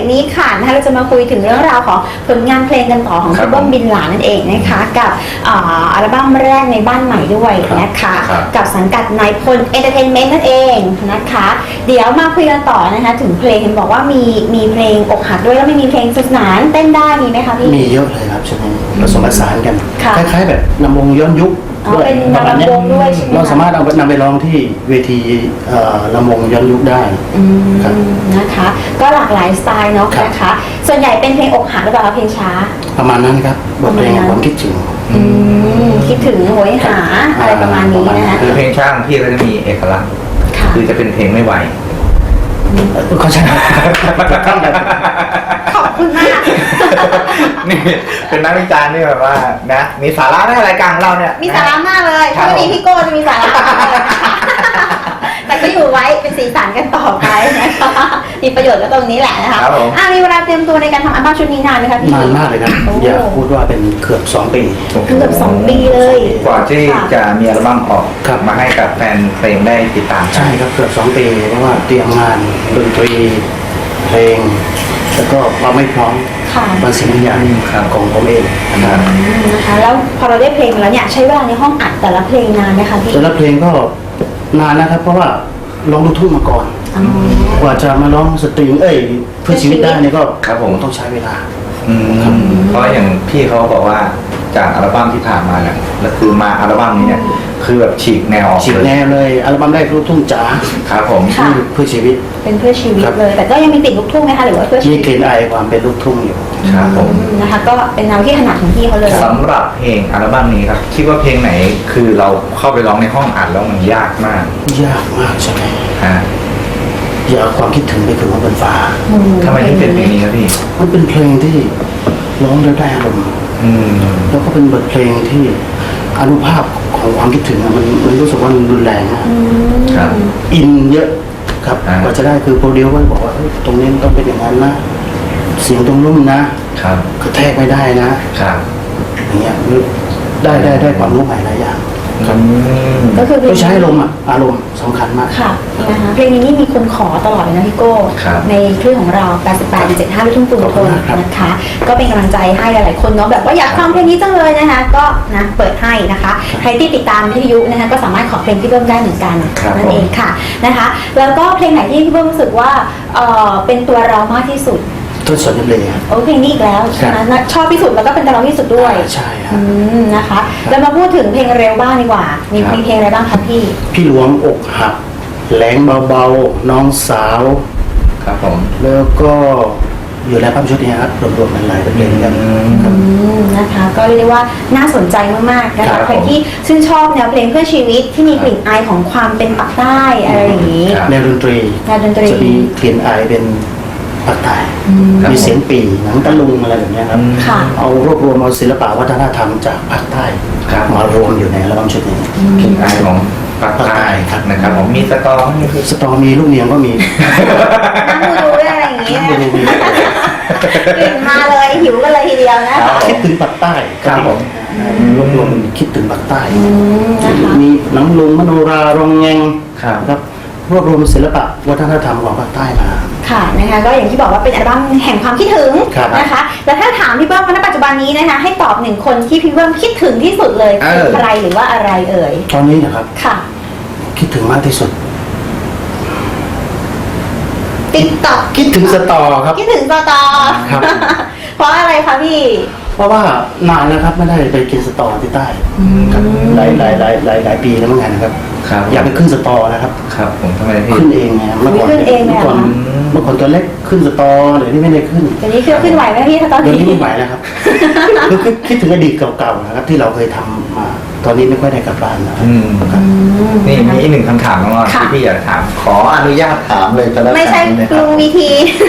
นี้ค่ะนะคะเราจะมาคุยถึงเรื่องราวของผลงานเพลงกันต่อของพี่เบิ้มบินหลานั่นเองนะคะกับอัลบั้มแรกในบ้านใหม่ด้วยนะคะกับสังกัดนายพลเอนเตอร์เทนเมนต์นั่นเองนะคะเดี๋ยวมาคุยกันต่อนะคะถึงเพลงเห็นบอกว่ามีเพลงอกหักด้วยแล้วไม่มีเพลงสนุกสนานเต้นได้มีไหมคะพี่มีเยอะเลยครับใช่ไหมผสมผสานกันคค่ะล้ายๆแบบลำวงย้อนยุคด้วยเป็นประมาณนี้ลำวงด้วยใช่ไหมคะเราสามารถเอานำไปร้องที่เวทีลำวงย้อนยุคได้ครับนะคะก็หลากหลายสไตล์เนาะครับนะคะส่วนใหญ่เป็นเพลงอกหักหรือเปล่าคะเพลงช้าประมาณนั้นครับบทเพลงความคิดถึงคิดถึงโหยหาอะไรประมาณนี้นะคะคือเพลงช่างพี่ก็จะมีเอกลักษณ์ค่ะคือจะเป็นเพลงไม่ไหวเขาใช่ขอบคุณมากนี่เป็นนักวิจารณ์นี่แบบว่านะมีสาระในรายการของเราเนี่ยมีสาระมากเลยครัถ้าบวันนี้พี่โก้จะมีสาระมากเลยนะคะแต่ก็อยู่ไว้เป็นสีสันกันต่อไปนะคะมีประโยชน์ก็ตรงนี้แหละนะคะครับผมมีเวลาเตรียมตัวในการทำอัลบั้มชุดนี้นานไหมคะพี่นานมากเลยครับโอ้อยากพูดว่าเป็นเกือบ2 ปีเกือบ2 ปีเลยกว่าที่จะมีอัลบั้มออกครับมาให้กับแฟนเพลงได้ติดตามใช่ครับเกือบ2 ปีเพราะว่าเตรียมงานดนตรีเพลง แล้วก็ความไม่พร้อมค่ะบางสิ่งบางอย่างของผมเองนะครับนะคะแล้วพอเราได้เพลงมาแล้วเนี่ยใช้เวลาในห้องอัดแต่ละเพลงนานไหมคะพี่แต่ละเพลงก็นานนะครับ เพราะว่าร้องลูกทุ่งมาก่อนอ๋อกว่าจะมาร้องสตริงเพื่อชีวิตได้เนี่ยก็ครับผมต้องใช้เวลาเพราะอย่างพี่เขาบอกว่าจากอัลบั้มที่ผ่านมาเนี่ยแล้วคือมาอัลบั้มนี้เนี่ยคือแบบฉีกแนวออกฉีกแนวเลยอัลบั้มแรกลูกทุ่งจ๋าครับผมค่ะเพื่อชีวิตเป็นเพื่อชีวิตครับเลย แต่ก็ยังมีติดลูกทุ่งไหมคะหรือว่าเพื่อชีมีวิตกลิ่นอายความเป็นลูกทุ่งอยู่ครับผมนะคะก็เป็นแนวที่ถนัดของพี่เขาเลยสำหรับเพลงอัลบั้มนี้ครับคิดว่าเพลงไหนคือเราเข้าไปร้องในห้องอัดแล้วมันยากมากยากมากใช่ไหมฮะอย่าเอาความคิดถึงไปถึงบนฟ้าทำไมถึงเป็นเพลงนี้ครับพี่มันเป็นเพลงที่ร้องแล้วได้อารมณ์อืมแล้วก็เป็นบทเพลงที่อนุภาพของความคิดถึงอะมันรู้สึกว่ามันรุนแรงอะครับอินเยอะครับอ่ากว่าจะได้คือโปรดิวก็บอกว่าเฮ้ยตรงนี้มันต้องเป็นอย่างนั้นนะเสียงตรงนุ่มนะครับ กระแทกไม่ได้นะครับอย่างเงี้ยได้ความรู้ใหม่หลายอย่างอืมก็คือเพลต้อง งใช้อารมณ์สำคัญมากค่ะนะคะเพลงนี้นี่มีคนขอตลอดเลยนะพี่โก้ครับในคลื่นของเรา 88.75 ลูกทุ่งกรุงทนนะคะ ก็เป็นกำลังใจให้หลายๆคนเนาะแบบว่าอยากฟังเพลงนี้จังเลยนะคะ ก็นะเปิดให้นะคะ ใครที่ติดตามวิทยุนะคะก็สามารถขอเพลงพี่เบิ้มได้เหมือนกันครับนั่นเองค่ะนะคะ แล้วก็เพลงไหนที่พี่เบิ้มรู้สึกว่าเป็นตัวเรามากที่สุดต้นสนทะเลครับโอ้เพลงนี้อีกแล้วใช่ไหมชอบที่สุดแล้วก็เป็นตัวเราที่สุดด้วยใช่ครัอืบนะคะแล้วมาพูดถึงเพลงเร็วบ้างดีกว่า มีครับเพลงอะไรบ้างคะพี่พี่หลวงอกหักแหลงเบาๆน้องสาวครับผมแล้วก็อยู่ในภาพชุดนี้ครับรวมๆกันหลายเพลงกันครับนะคะก็เรียกได้ว่าน่าสนใจมากๆนะครัคะบใครที่ชื่นชอบแนวเพลงเพื่อชีวิตที่มีกลิ่นอายของความเป็นปากใต้อะไรอย่างนี้ครับแนวดนตรีแนวดนตรีจะมีกลิ่นอายเป็นภาคใต้ครับมีเสียงปีหนังตะลุงอะไรแบบเนี้ยครับค่ะเอารวบรวมเอาศิลปะวัฒนธรรมจากภาคใต้ครับมารวมอยู่ในอัลบั้มชุดนี้เพลงอายของปากใต้ครับนะครับผมมีสตอรี่คือสตอมีลูกเนียงก็มีนั่งดูด้วยอะไรอย่างนี้ดูมีกลิ่นมาเลยหิวกันเลยทีเดียวนะครัคะบคิดถึงภาคใต้ครับผมรวบรวมคิดถึงภาคใต้นะคะมีหนังลุงมโนราโรงแงงครับครับรวบรวมศิลปะวัฒนธรรมของภาคใต้มาค่ะนะคะก็อย่างที่บอกว่าเป็นอัลบั้มแห่งความคิดถึงครับนะคะแล้วถ้าถามพี่เบิ้มว่าณปัจจุบันนี้นะคะให้ตอบหนึ่งคนที่พี่เบิ้มคิดถึงที่สุดเลยคือใครหรือว่าอะไรเอ่ยตอนนี้นะครับค่ะคิดถึงมากที่สุดติ๊กต็อกคิดถึงสตอครับคิดถึงตอครับเพราะอะไรคะพี่เพราะว่านานแล้วครับไม่ได้ไปกินสตอที่ใต้ครับหลายปีแล้วเหมือนกันนะครับครับอยากไปขึ้นสตอนะครับครับผมทำไมพี่ขึ้นเองไงเมื่อก่อนขึ้นเองเลยเมื่อก่อนเหรอเมื่อก่อนตัวเล็กขึ้นสตอเดี๋ยวนี้ไม่ได้ขึ้นเดี๋ยวนี้เครื่องขึ้นไหวไหมพี่ถ้าตอนเดี๋ยวนี้นี้ไม่ไหวแล้วครับ คือคิดถึงอดีตเก่าๆนะครับ ที่เราเคยทำมา ตอนนี้ไม่ค่อยได้กลับบ้านนะครับ ครับนี่มีอีกหนึ่งคำถามน้องออนที่พี่อยากถาม ขออนุญาตถามเลยก็แล้วกันไม่ใช่นะคลุรับงวีที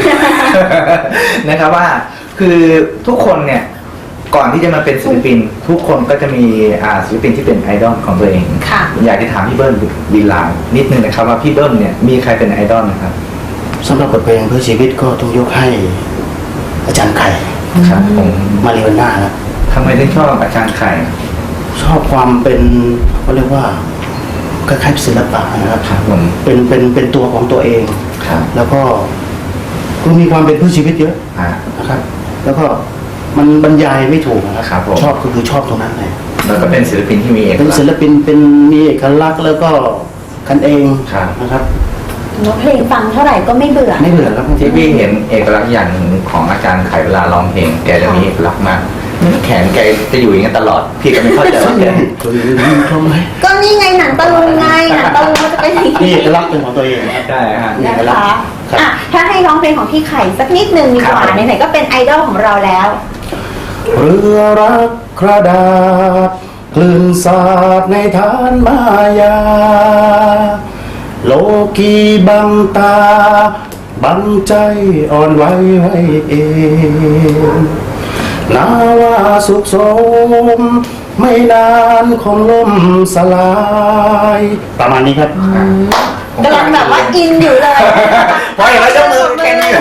นะครับว่าคือทุกคนเนี่ยก่อนที่จะมาเป็นศิลปิน ทุกคนก็จะมีศิลปินที่เป็นไอดอลของตัวเองค่ะอยากจะถามพี่เบิ้ลบินหลางนิดนึงนะครับว่าพี่เบิ้ลเนี่ยมีใครเป็นไอดอลนะครับสำหรับบทเพลงเพื่อชีวิตก็ต้องยกให้อาจารย์ไข่ครับผมมาริวาน่าครับทำไมถึงชอบอาจารย์ไข่ชอบความเป็นเขาเรียกว่าคล้ายๆศิลปะนะครับครับผมเป็นตัวของตัวเองครับแล้วก็คือมีความเป็นผู้ชีวิตเยอะอ่านะครับ แล้วก็มันบรรยายไม่ถูกนะคครัรับบ ผมชอบก็คือชอบตรงนั้นเลยแล้วก็เป็นศิลปินที่มีเอกเป็นลักศิษณ์ลปินเป็นมีเอกลักษณ์แล้วก็กันเองครับนะครับเนื้อเพลงฟังเท่าไหร่ก็ไม่เบื่อไม่เบื่อครับที่พี่เห็นเอกลักษณ์อย่างหนึ่งของอาจารย์ไขเวลาร้องเพลงแกจะมีเอกลักษณ์มากแขนแกจะอยู่อย่างนี้นตลอด พี่ก็ไม่เข้าใจว่าแกทำไมก็นี่ไงหนังตะลุงไงหนังตะลุงมันจะเป็นอย่างมีนี้เอกลักษณ์เป็นของตัวเองนะครับได้ฮะมีเอนะกลักษคะณ์ครับอ่ะถ้าให้ร้องเพลงของพี่ไข่สักนิดนึงดีกว่าครับไหนๆก็เป็นไอดอลของเราแล้วเรือรักกระดาษคลื่นสาดในฐานมายา โลกีบังตา บังใจอ่อนไหวไว้เองนาว่าสุขสม ไม่นานคงล่มสลาย ประมาณนี้ครับกำลังแบบว่าอินอยู่เลยพอเห็นแล้วยกมือแค่นี้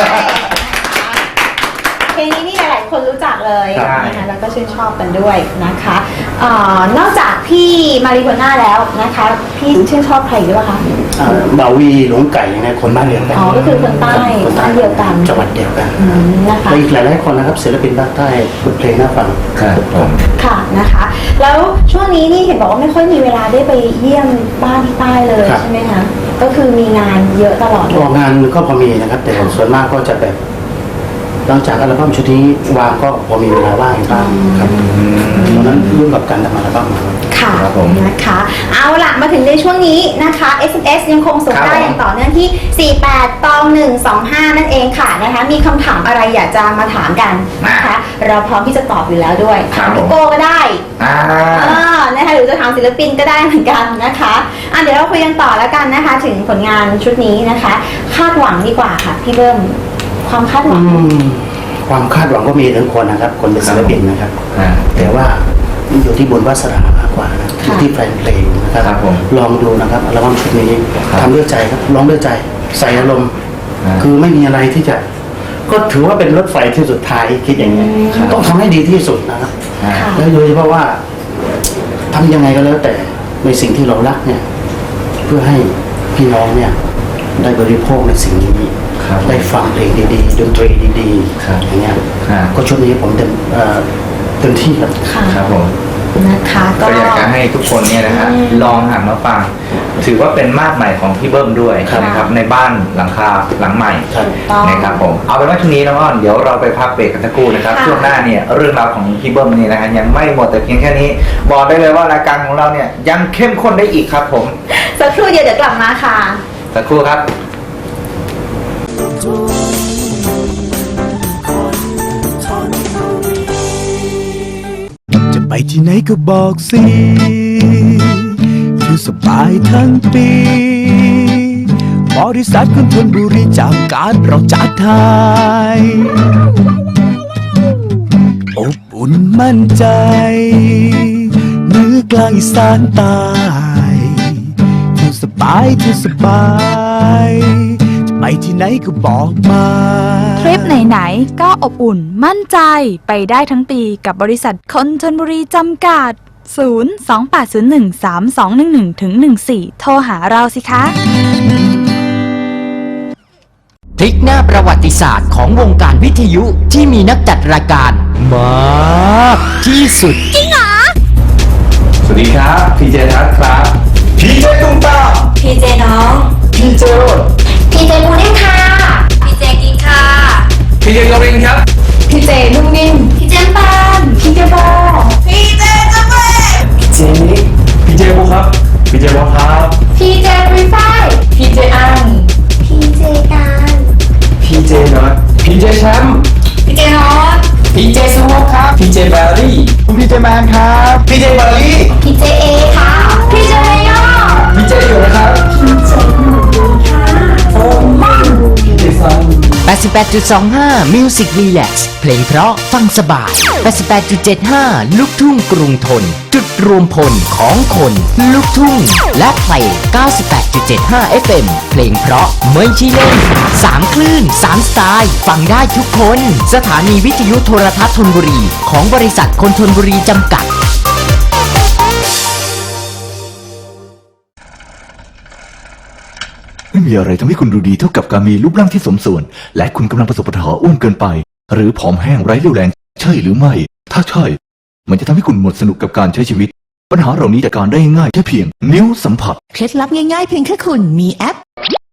เพลงนี้นี่หลายๆคนรู้จักเลยใช่นะคะแล้วก็ชื่นชอบกันด้วยนะคะนอกจากพี่มาริโกน่าแล้วนะคะ พี่ชื่นชอบใครหรือเปล่าคะบ่าวีหลวงไก่นะคนบ้านเดียวกันอ๋อก็คือคนใต้คนใต้บ้านเดียวกันจังหวัดเดียวกันนะคะและอีกหลายๆคนนะครับศิลปินภาคใต้บทเพลงน่าฟังครับผมค่ะนะคะ แล้วช่วงนี้นี่เห็นบอกว่าไม่ค่อยมีเวลาได้ไปเยี่ยมบ้านที่ใต้เลยใช่ไหมคะก็คือมีงานเยอะตลอดเลออย กงานก็พอมีนะครับ แต่ส่วนมากก็จะแบบหลังจากอัลบั้มชุดนี้วางก็พอมีเวลาว่างบ้างครับตอนนั้นยุ่งกับการทำอัลบั้มครับค่ะครับผมนะคะ เอาล่ะมาถึงในช่วงนี้นะคะ SMS ยังคงส่งครับได้อย่างต่อเนื่องที่ 48ตอง125 นั่นเองค่ะนะคะมีคำถามอะไรอยากจะมาถามกันนะคะเราพร้อมที่จะตอบอยู่แล้วด้วยครัถาบมผมพี่โก้ก็ได้อ่านะคะหรือจะถามศิลปินก็ได้เหมือนกันนะคะเดี๋ยวเราคุยกันต่อแล้วกันนะคะ ถึงผลงานชุดนี้นะคะ คาดหวังดีกว่าค่ะพี่เบิ้มความคาดหวังความคาดหวังก็มีทั้งคนนะครับ คนเป็นศิลปินนะครับอ่าแต่ว่าอยู่ที่บุญวาสนามากกว่านะอยู่ที่แฟนเพลงนะครับครับผมลองดูนะครับอัลบั้มชุดนี้ครับทำด้วยใจครับร้องด้วยใจใส่อารมณ์อ่าคือไม่มีอะไรที่จะ ก็ถือว่าเป็นรถไฟที่สุดท้ายคิดอย่างนี้ยครับต้องทำให้ดีที่สุดนะครับอ่าค่ะแล้วโดยเฉพาะว่าทำยังไงก็แล้วแต่ในสิ่งที่เรารักเนี่ย เพื่อให้พี่น้องเนี่ย ได้บริโภคในสิ่งนี้ครับได้ฟังเพลงดีๆดนตรีดีครับๆอย่างเงี้ยครับก็ช่วงนี้ผมเต็มที่ครับค่ะครับผมนะคะก็ก็อยากจะให้ทุกคนเนี่ยนะฮะอืมลองหันมาฟัง ถือว่าเป็นมาดใหม่ของพี่เบิ้มด้วยครับนะครับในบ้านหลังคาหลังใหม่ครับถูกต้องนะครับผมเอาเป็นว่าช่วงนี้น้องอ้อนเดี๋ยวเราไปพักเบรกกันสักครู่นะครับค่ะช่วงหน้าเนี่ยเรื่องราวของพี่เบิ้มนี่นะฮะยังไม่หมดแต่เพียงแค่นี้ บอกได้เลยว่ารายการของเราเนี่ยยังเข้มข้นได้อีกครับผมสักครู่เดียวเดี๋ยวกลับมาค่ะสักครู่ครับจะไปที่ไหนก็บอกสิอยู่สบายทั้งปี บริษัทคนทนบุรีจากการเราจัดไทยอบอุ่นมั่นใจเหนือกลางอีสานใต้อยู่สบายอยู่สบายจะไปที่ไหนก็บอกมาทริปไหนๆก็อบอุ่นมั่นใจไปได้ทั้งปีกับบริษัทคนชลบุรีจำกัด 028013211-14 โทรหาเราสิคะพลิกหน้าประวัติศาสตร์ของวงการวิทยุที่มีนักจัดรายการมากที่สุดสวัสดีครับพีเจทัศน์ครับพีเจตุ้มตามพีเจน้องพีเจโรดพีเจมูนิ่งค่ะ พีเจกินค่ะพีเจกรินครับพีเจนุ่มนิ่มพีเจปานพีเจบอพีเจจะเปเจนิกพีเจบุครับพีเจบอลครับพีเจรีไฟพีเจอังพีเจการพีเจน็อตพีเจแชมป์พีเจฮอตพีเจสโมกครับพีเจแบลลี่พีเจแมนครับพีเจบาลี่พีเจเอค่ะพีเจเมยอพีเจอยู่นะครับพีเจหนูค่ะพีเจซัน 88.25 Music Relax เพลงเพราะฟังสบาย 88.75 ลูกทุ่งกรุงทน จุดรวมพลของคนลูกทุ่ง และเพลง 98.75 FM เพลงเพราะไม่ใช่เล่น 3 คลื่น 3 สไตล์ ฟังได้ทุกคน สถานีวิทยุโทรทัศน์ธนบุรี ของบริษัทคนธนบุรีจำกัดรไม่มีอะไรทำให้คุณดูดีเท่ากับการมีรูปร่างที่สมส่วน และคุณกำลังประสบปัญหาอ้วนเกินไป หรือผอมแห้งไร้เรี่ยวแรงใช่หรือไม่ ถ้าใช่ มันจะทำให้คุณหมดสนุกกับการใช้ชีวิต ปัญหาเหล่านี้จัดการได้ง่ายแค่เพียงนิ้วสัมผัสเคล็ดลับง่ายๆเพียงแค่คุณมีแอป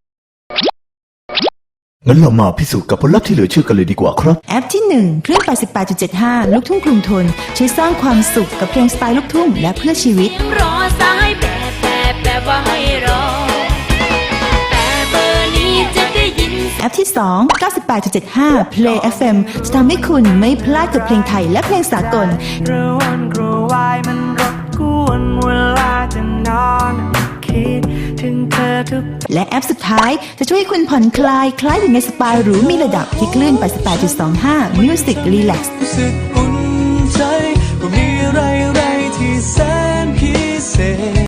งั้นเรามาพิสูจน์กับผลลัพธ์ที่เหลือเชื่อกันเลยดีกว่าครับแอปที่ 1 คลื่น 88.75 ลูกทุ่งกรุงทนช่วยสร้างความสุขกับเพลงสไตล์ลูกทุ่งและเพื่อชีวิตรอสายแบบว่าให้รอ แต่เบอร์นี้จะได้ยินแอปที่ 2 98.75 Play FM จะทำให้คุณไม่พลาดกับเพลงไทยและเพลงสากลกระวนกระวายมันรบกวนเวลาจะนอนคิดถึงเธอทุกและแอปสุดท้ายจะช่วยให้คุณผ่อนคลายคล้ายอยู่ในสปาหรูมีระดับที่คลื่น 88.25 Music Relax รู้สึกอุ่นใจว่ามีอะไรที่แสนพิเศษ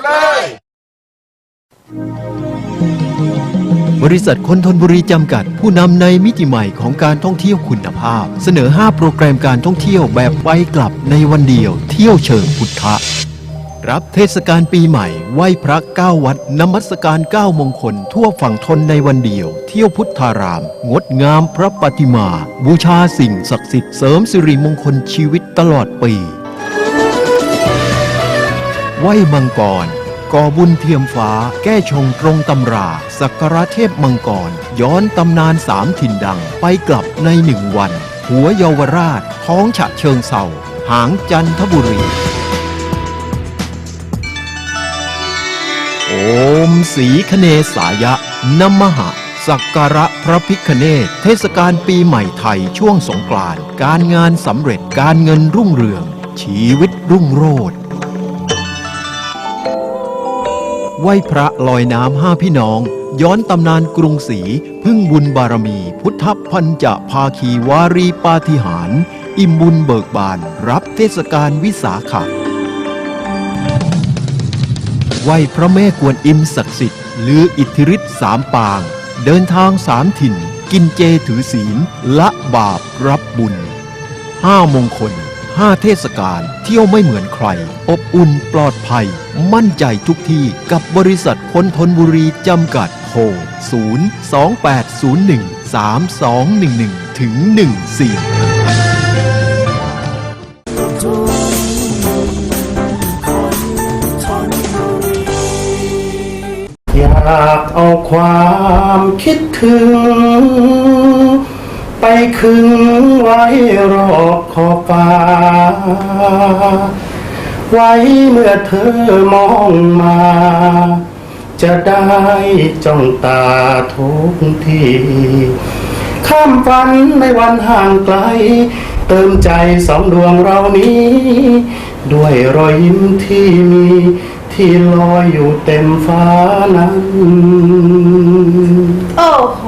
บริษัทคนทนบุรีจำกัดผู้นำในมิติใหม่ของการท่องเที่ยวคุณภาพเสนอ 5 โปรแกรมการท่องเที่ยวแบบไปกลับในวันเดียวเที่ยวเชิงพุทธะรับเทศกาลปีใหม่ไหว้พระ9วัดนมัสการ9มงคลทั่วฝั่งทนในวันเดียวเที่ยวพุทธารามงดงามพระปฏิมาบูชาสิ่งศักดิ์สิทธิ์เสริมสิริมงคลชีวิตตลอดปีไหว้มังกรก่อบุญเทียมฟ้าแก้ชงตรงตำราสักการะเทพมังกรย้อนตำนาน3 ถิ่นดังไปกลับใน1 วันหัวเยาวราชท้องฉะเชิงเทราหางจันทบุรีโอมสีคเนสายะนมหะสักการะพระพิฆเนศเทศกาลปีใหม่ไทยช่วงสงกรานต์การงานสำเร็จการเงินรุ่งเรืองชีวิตรุ่งโรจน์ไหว้พระลอยน้ำ5 พี่น้องย้อนตำนานกรุงศรีพึ่งบุญบารมีพุทธพันจะภาคีวารีปาฏิหาริย์อิ่มบุญเบิกบานรับเทศกาลวิสาขะไหว้พระแม่กวนอิมศักดิ์สิทธิ์ลืออิทธิฤทธิ์3 ปางเดินทาง3 ถิ่นกินเจถือศีลละบาปรับบุญ5 มงคล5 เทศกาลเที่ยวไม่เหมือนใครอบอุ่นปลอดภัยมั่นใจทุกที่กับบริษัทคนทนบุรีจำกัดโทร028013211ถึง14 อยากเอาความคิดถึงไปคึงไว้รอบขอบฟ้าไว้เมื่อเธอมองมาจะได้จ้องตาทุกทีข้ามฝันในวันห่างไกลเติมใจ2 ดวงเรานี้ด้วยรอยยิ้มที่มีที่ลอยอยู่เต็มฟ้านั้นโอ้โห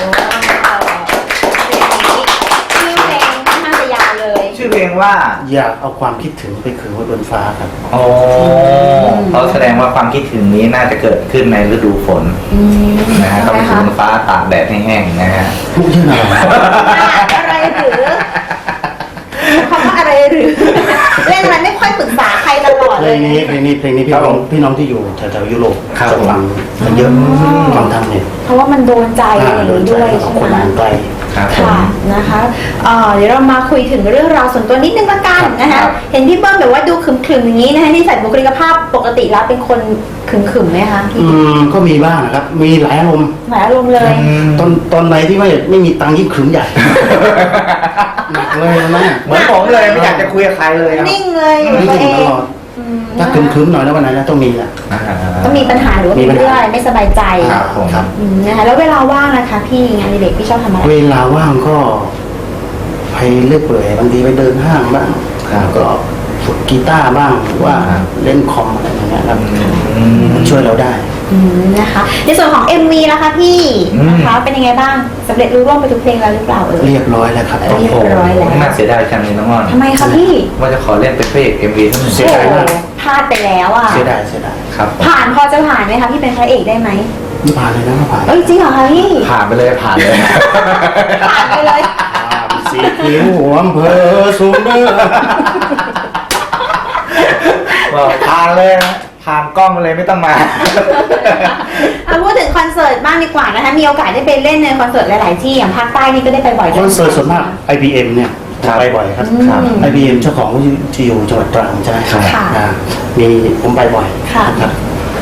ชื่อเพลงค่อนข้างจะยาวเลยชื่อเพลงว่าอยากเอาความคิดถึงไปคืนไว้บนฟ้าครับอ๋อเขาแสดงว่าความคิดถึงนี้น่าจะเกิดขึ้นในฤดูฝนนะฮะเขาไปถึงฟ้าตากแดดแห้งๆนะฮะพูดเรื่องอะไรอะไรหรือคำว่าอะไรหรือเล่นอะไรไม่ค่อยปรึกษาใครตลอดเพเลลยงนี้พี่น้องที่อยู่แถวๆยุโรปจะฟังกันเยอะฟังทางเน็ตเพราะว่ามันโดนใจอย่างนี้ด้วยใช่คนไหมอ่านไกลค่ะนะคะเดี๋ยวเรามาคุยถึงเรื่องราวส่วนตัวนิดนึงละกันนะคะ เห็นพี่เบิ้มแบบว่าดูขรึมๆอย่างนี้นะคะนี่ใส่บุคลิกภาพปกติแล้วเป็นคนขรึมๆไหมคะพี่ก็มีบ้างนะครับมีหลายอารมณ์หมายอารมณ์เลยตอนไหนที่ไม่มีตังค์ยิ่งขรึมใหญ่หนักเลยนะเหมือนผมเลยไม่อยากจะคุยกับใครเลยครับนิ่งเลยอยู่กับตัวเองถ้าขรึมๆหน่อยแล้ววันไหนนะต้องมีแหละต้องมีปัญหาหรือว่ามีเรื่องอะไรไม่สบายใจครับผมครับนะคะแล้วเวลาว่างนะคะพี่งานอดิเด็กพี่ชอบทำอะไรเวลาว่างก็ไปเลื่อยเปื่อยบางทีไปเดินห้างบ้างก็ฝึกกีตาร์บ้างหรือว่าเล่นคอมอะไรอย่างเงี้ยครับมันช่วยเราได้นะคะในส่วนของ MV ล่ะคะพี่นะคะเป็นยังไงบ้างสำเร็จรู้ร่วงไปทุกเพลงแล้วหรือเปล่าเรียบร้อยแล้วครับเรียบร้อยแล้วน่าเสียดายจังเลยน้องอ้อนทำไมคะพี่ว่าจะขอเล่นเป็นพระเอก MV ทั้งหมดเสียดายมากพลาดไปแล้วอ่ะเสียดายครับผ่านพอจะผ่านไหมคะพี่เป็นพระเอกได้ไหมไม่ผ่านเลยนะไม่ผ่านเอ้ยจริงเหรอคะพี่ผ่านไปเลยผ่านเลยผ่านไปเลยสีคิ้วหัวอำเภอสูงเด้อบอกผ่านเลยนะผ่ผ่านกล้องเลยไม่ต้องมาเอาพูดถึงคอนเสิร์ตบ้างดีกว่านะคะมีโอกาสได้ไปเล่นในคอนเสิร์ตหลายๆที่อย่างภาคใต้นี่ก็ได้ไปบ่อยคอนเสิร์ตส่วนมาก IBM เนี่ยไปบ่อยครับ IBM เจ้าของที่อยู่จังหวัดตรังใช่ไหมค่ะมีผมไปบ่อยค่ะนะครับ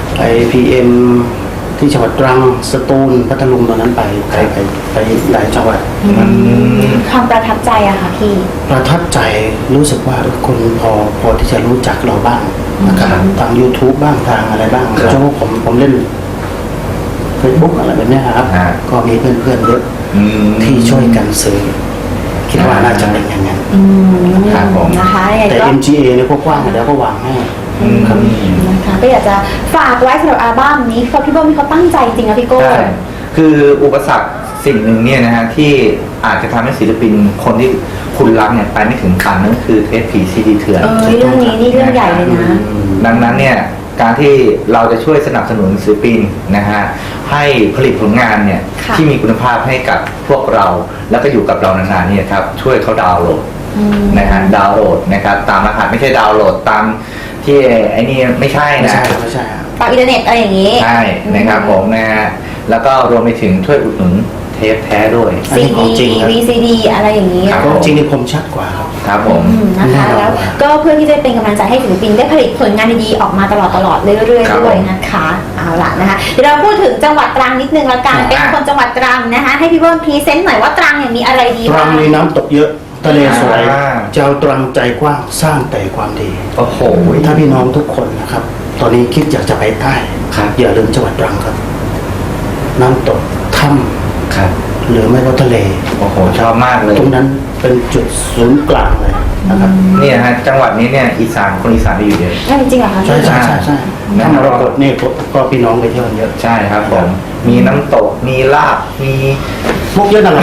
IBM ที่จังหวัดตรังสตูลพัทลุงตอนนั้นไปหลายจังหวัดความประทับใจอะค่ะพี่ประทับใจรู้สึกว่าคนพอที่จะรู้จักเราบ้างนะครับทาง YouTube บ้างทางอะไรบ้างเพราะว่าผมเล่น Facebook อะไรแบบเนี้ยครับก็มีเพื่อนๆเยอะที่ช่วยกันซื้อคิดว่าน่าจะเป็นอย่างนั้นครับผมนะคะยังไงแต่ก็ MGA เนี่ยก็กว้างแล้วก็วางให้ครับนะคะก็อยากจะฝากไว้สำหรับอัลบั้มนี้เขาพี่เบิ้มเขาตั้งใจจริงนะพี่โก้ใช่คืออุปสรรคสิ่งหนึ่งเนี่ยนะฮะที่อาจจะทำให้ศิลปินคนที่คุณรักเนี่ยไปไม่ถึงฝันนั่นก็คือเทปผีซีดีเถื่อนเรื่องนี้นี่เรื่องใหญ่เลยนะดังนั้นเนี่ยการที่เราจะช่วยสนับสนุนศิลปินนะฮะให้ผลิตผลงานเนี่ยค่ะที่มีคุณภาพให้กับพวกเราแล้วก็อยู่กับเรานานๆเนี่ยครับช่วยเขาดาวน์โหลดนะฮะดาวน์โหลดนะครับตามรหัสไม่ใช่ดาวน์โหลดตามที่ไอ้นี่ไม่ใช่ไม่นะใช่ไม่ใช่ครับตามอินเทอร์เน็ตอะไรอย่างนี้ใช่นะครับผมนะฮะแล้วก็รวมไปถึงช่วยอุดหนุนเทปแท้ด้วยอันนี้ของจริงครับ VCD อะไรอย่างนี้ครับของจริงนี่คมชัดกว่าครับครับผมนะคะแล้วก็เพื่อที่จะเป็นกำลังใจให้ศิลปินได้ผลิตผลงานดีๆออกมาตลอดเรื่อยครับๆด้วยนะคะเอาล่ะนะคะเดี๋ยวเราพูดถึงจังหวัดตรังนิดนึงละกันเป็นคนจังหวัดตรังนะคะให้พี่เบิ้มพรีเซนต์หน่อยว่าตรังเนี่ยมีอะไรดีตรับ้าง งมีน้ำตกเยอะทะเลสวยอ่าเจ้าตรังใจกว้างสร้างแต่ความดีโอ้โหถ้าพี่น้องทุกคนนะครับ ตอนนี้คิดอยากจะไปใต้ครับอย่าลืมจังหวัดตรังครับ น้ำตกถ้ครับำหรือไม่ก็ทะเลโอ้โหชอบมากเลยตรงนั้นเป็นจุดศูนย์กลางเลยนะครับเนี่ยฮะจังหวัดนี้เนี่ยอีสานคนอีสานไปอยู่เยอะจริงเหรอคะใช่ใช่ใช่ใช่นะถ้ามรกตนี่ก็พี่น้องไปเที่ยวกันเยอะใช่ครับผม มีน้ำตก มีลาบ มีพวกเยอะนั่นแหละ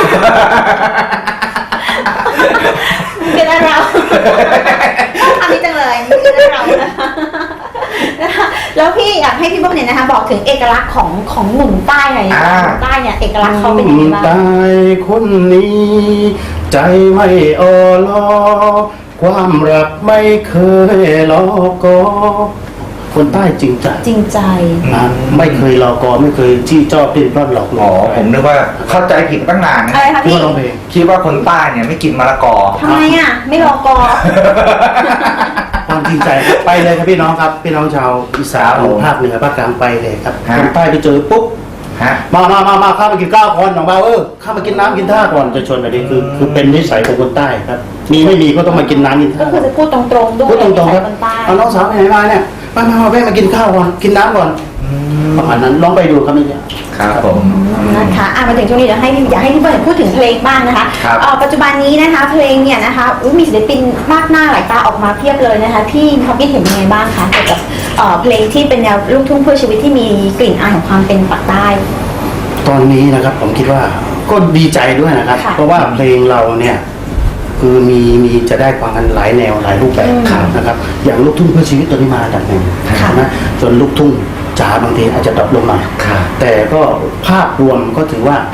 เป็นอะไรเราทำนี้จังเลยเป็นอะไรเรานะคะแล้วพี่อยากให้พี่เบิ้มเนี่ยนะคะบอกถึงเอกลักษณ์ของหนุ่มใต้หน่อยหนุ่มใต้เนี่ยเอกลักษณ์เขาเป็นยังไงบ้างตายคนนี้ ใจไม่อ่อลอความรักไม่เคยรอกอคนใต้จริงใจจริงใจนะไม่เคยรอกอไม่เคยจี้จ้อปลิ้นปล้อนหลอกลอ๋อวงผมนึกว่าเข้าใจผิดตั้งนานนะอะไรคะที่พี่ว่าร้องเพลงคิดว่าคนใต้เนี่ยไม่กินมะละกอทำไมอ่ะไม่รอกอความจริงใจครับไปเลยครับพี่น้องครับ พี่น้องชาวอีสานครับผมภาคเหนือภาคกลางไปเลยครับฮะคนใต้ไปเจอปุ๊บฮะมาข้ามากินข้าวก่อนน้องบ่าวข้ามากินน้ำกินท่าก่อนจะชวนแบบนี้คือเป็นนิสัยของคนใต้ครับ มีไม่มีก็ต้องมากินน้ำกินก็ท่าคือจะพูดตรงๆด้วยพูดตรงๆครับคนใต้เอาน้องสาวไปไหนมาเนี่ยมาแวะมากินข้าวก่อนกินน้ำก่อนประมาณนั้นลองไปดูครับนี่เนี่ยครับผมนะคะมาถึงช่วงนี้เดี๋ยวอยากให้พี่เบิร์ดพูดถึงเพลงบ้างนะคะครับปัจจุบันนี้นะคะเพลงเนี่ยนะคะมีศิลปินมากหน้าหลายตาออกมาเพียบเลยนะคะพี่มีความคิดเห็นยังไงบ้างคะเกี่ยวกับเพลงที่เป็นแนวลูกทุ่งเพื่อชีวิตที่มีกลิ่นอายของความเป็นปากใต้ตอนนี้นะครับผมคิดว่าก็ดีใจด้วยนะครับค่ะเพราะว่าเพลงเราเนี่ยคือมีจะได้ฟังกันหลายแนวหลายรูปแบบนะครับ อย่างลูกทุ่งเพื่อชีวิตตัวนี้มาอันดับหนึ่งค่ะนะจนลูกทุ่งจ๋าบางทีอาจจะดรอปลงมาครับแต่ก็ภาพรวมก็ถือว่า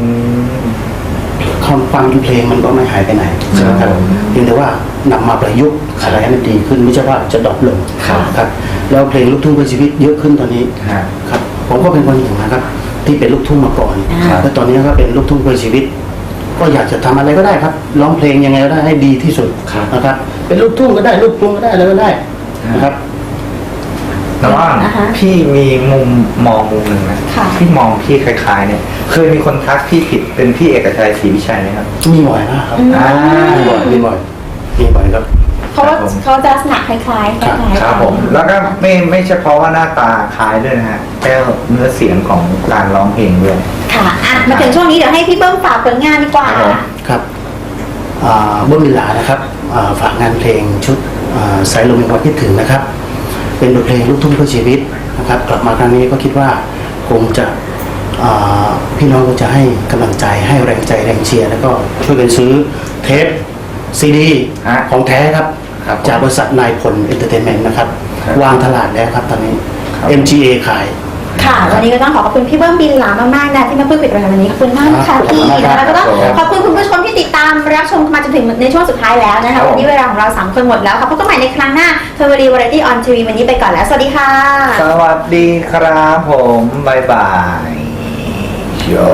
ความฟังเพลงมันก็ไม่หายไปไหนนะครับเพียงแต่ว่านำมาประยุกต์อะไรให้มันดีขึ้นไม่ใช่ว่าจะดรอปลงครับครับแล้วเพลงลูกทุ่งเพื่อชีวิตเยอะขึ้นตอนนี้ฮะครับผมก็เป็นคนหนึ่งนะครับ ที่เป็นลูกทุ่งมาก่อนครับแล้วตอนนี้ก็เป็นลูกทุ่งเพื่อชีวิต ก็อยากจะทำอะไรก็ได้ครับร้องเพลงยังไงก็ได้ให้ดีที่สุดนะครับ เป็นลูกทุ่งก็ได้ลูกกรุงก็ได้อะไรก็ได้นะครับแต่ว่านะคะพี่มีมุมมองมุมหนึ่งนะค่ะพี่มองพี่คล้ายๆเนี่ย เคยมีคนทักพี่ผิดเป็นพี่เอกชัยศรีวิชัยไหมครับมีบ่อยมากครับอ่ามีบ่อยครับเพราะว่าครับผมเขาจะลักษณะคล้ายๆคล้ายๆครับผมแล้วก็ไม่เฉพาะว่าหน้าตาคล้ายด้วยนะฮะแค่เนื้อเสียงของการร้องเพลงด้วยค่ะมาถึงช่วงนี้เดี๋ยวให้พี่เบิ้มฝากผลงานดีกว่าครับผมครับบุญมิลานะครับฝากงานเพลงชุดสายลมแห่งความคิดถึงนะครับ เป็นบทเพลงลูกทุ่งเพื่อชีวิตนะครับ กลับมาครั้งนี้ก็คิดว่าคงจะพี่น้องก็จะให้กำลังใจให้แรงใจแรงเชียร์แล้วก็ช่วยกันซื้อเทปซีดีฮะของแท้ครับครับผมจากบริษัทนายพลเอนเตอร์เทนเมนต์นะครับครับวางตลาดแล้วครับตอนนี้ครับ MGA ขายค่ะวันนี้ก็ต้องขอบคุณพี่เบิ้มบินหลามากๆนะที่มาพูดคุยกับเราวันนี้ขอบคุณมากนะคะพี่แล้วก็ต้องขอบคุณคุณผู้ชมที่ติดตามรับชมมาจนถึงในช่วงสุดท้ายแล้วนะคะวันนี้เวลาของเรา3คนหมดแล้วค่ะพบกันใหม่ในครั้งหน้าเทอร์วรีวาไรตี้ออนทีวีวันนี้ไปก่อนแล้วสวัสดีค่ะสวัสดีครับผมบ๊ายบายโย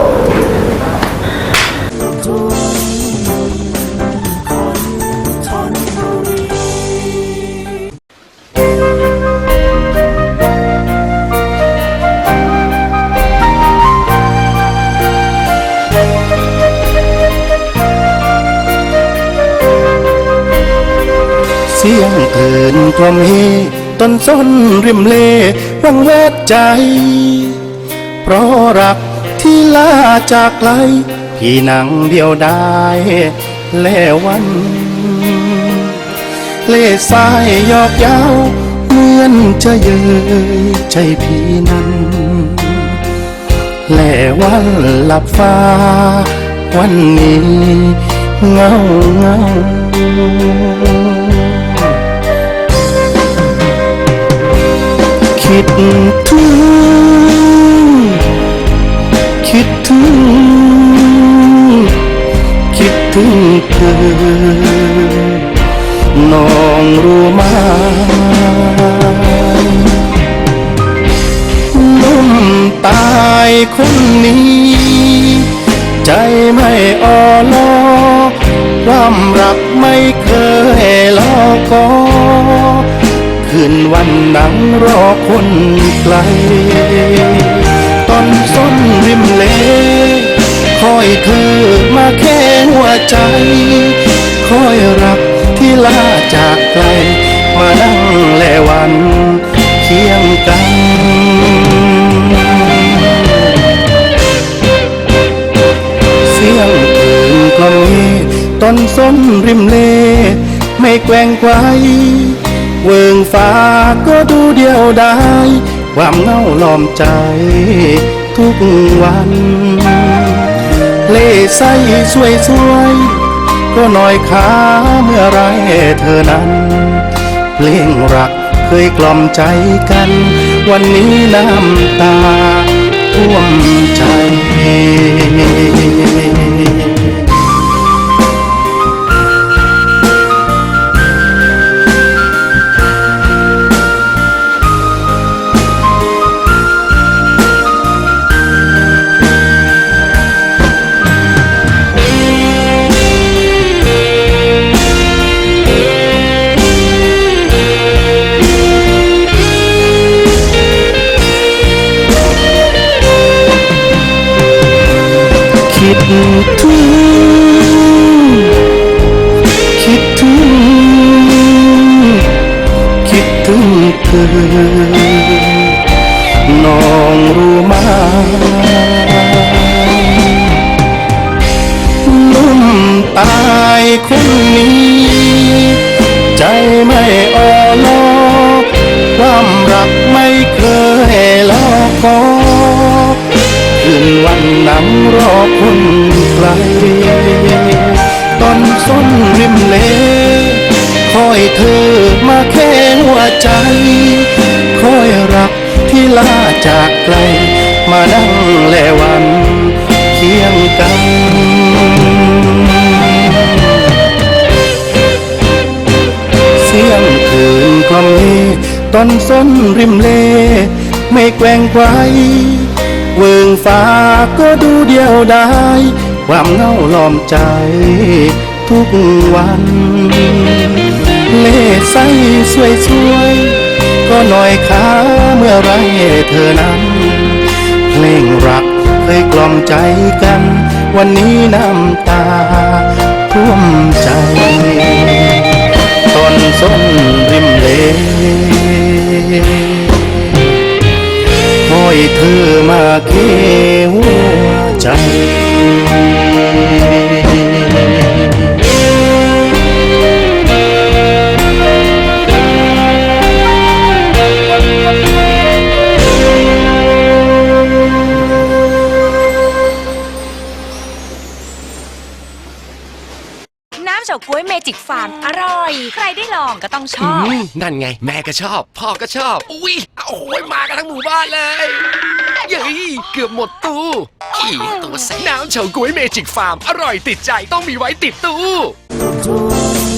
เสียงเตือนกล่อมเฮต้นส้นริมเลวังเวทใจ เพราะรักที่ลาจากไกลพี่นั่งเดียวได้แลวัน เล่สายหยอกเย้าเหมือนจะเย้ยใจพี่นั้น แลวันหลับฟ้าวันนี้เงาเงาคิดถึงคิดถึงคิดถึงเธอน้องรู้ไหมนุ่มตายคนนี้ ใจไม่อ่อล้อความรักไม่เคยล้อกอคืนวันนั่งรอคนไกลตอนส้นริมเลคอยเธอมาแค่หัวใจคอยรักที่ลาจากไกลมานั่งแลวันเคียงกันเสียงคืนกลองต้นส้นริมเลไม่แกว่งไกวเวิงฟ้าก็ดูเดียวดายความเหงาล้อมใจทุกวันเล่ใสสวยสวยก็หน่อยขาเมื่อไรเธอนั้นเพลงรักเคยกล่อมใจกันวันนี้น้ำตาท่วมใจ คิดถึงคิดถึงคิดถึงเธอน้องรู้ไหมนุ่มตายคนนี้ ใจไม่อ่อล้อความรักไม่เคยล้อกอคืนวันนั่งรอคนไกลตอนส้นริมเลคอยเธอมาแค่หัวใจคอยรักที่ลาจากไกลมานั่งแลวันเคียงกันเสียงคืนกล่อมตอนส้นริมเลไม่แกว่งไกวเวิงฟ้าก็ดูเดียวดายความเหงาล้อมใจทุกวันเล่ใสสวยสวยก็หน่อยขาเมื่อไรเธอนั้นเพลงรักเคยกล่อมใจกันวันนี้น้ำตาท่วมใจต้นส้นริมเลคอยเธอมาเคียงหัวใจน้ำเฉาก๊วยเมจิกฟาร์มอร่อย ใครได้ลองก็ต้องชอบนั่นไงแม่ก็ชอบ พ่อก็ชอบ อุ้ยโอ้ยมากันทั้งหมู่บ้านเลยเย้ยเกือบหมดตู้อีตัวแสบน้ำเฉาก๊วยเมจิกฟาร์มอร่อยติดใจต้องมีไว้ติดตู้